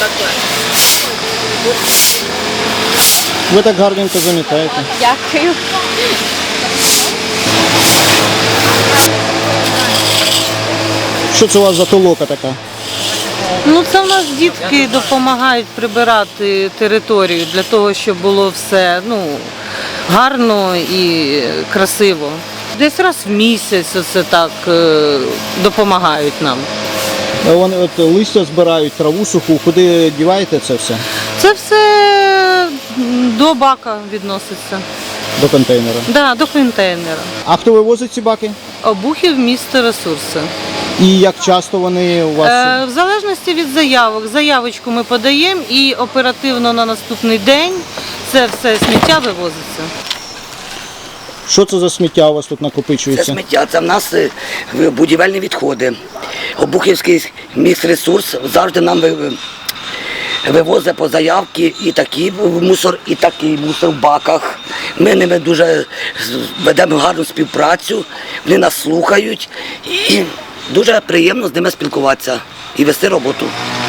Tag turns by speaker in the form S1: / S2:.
S1: Ви так гарненько замітаєте.
S2: Дякую.
S1: Що це у вас за толока така?
S3: Ну, це в нас дітки допомагають прибирати територію для того, щоб було все гарно і красиво. Десь раз в місяць оце так допомагають нам.
S1: Вони от листя збирають, траву суху. Куди діваєте це все?
S3: Це все до бака відноситься.
S1: До контейнера.
S3: Да, до контейнера.
S1: А хто вивозить ці баки?
S3: Обухів місто ресурси.
S1: І як часто вони у вас?
S3: В залежності від заявок. Заявочку ми подаємо і оперативно на наступний день це все сміття вивозиться.
S1: Що це за сміття у вас тут
S4: Це
S1: накопичується?
S4: сміття, це в нас будівельні відходи. Обухівський міськресурс завжди нам вивозить по заявці і такий мусор, і такий мусор в баках. Ми ними дуже ведемо гарну співпрацю, вони нас слухають і дуже приємно з ними спілкуватися і вести роботу.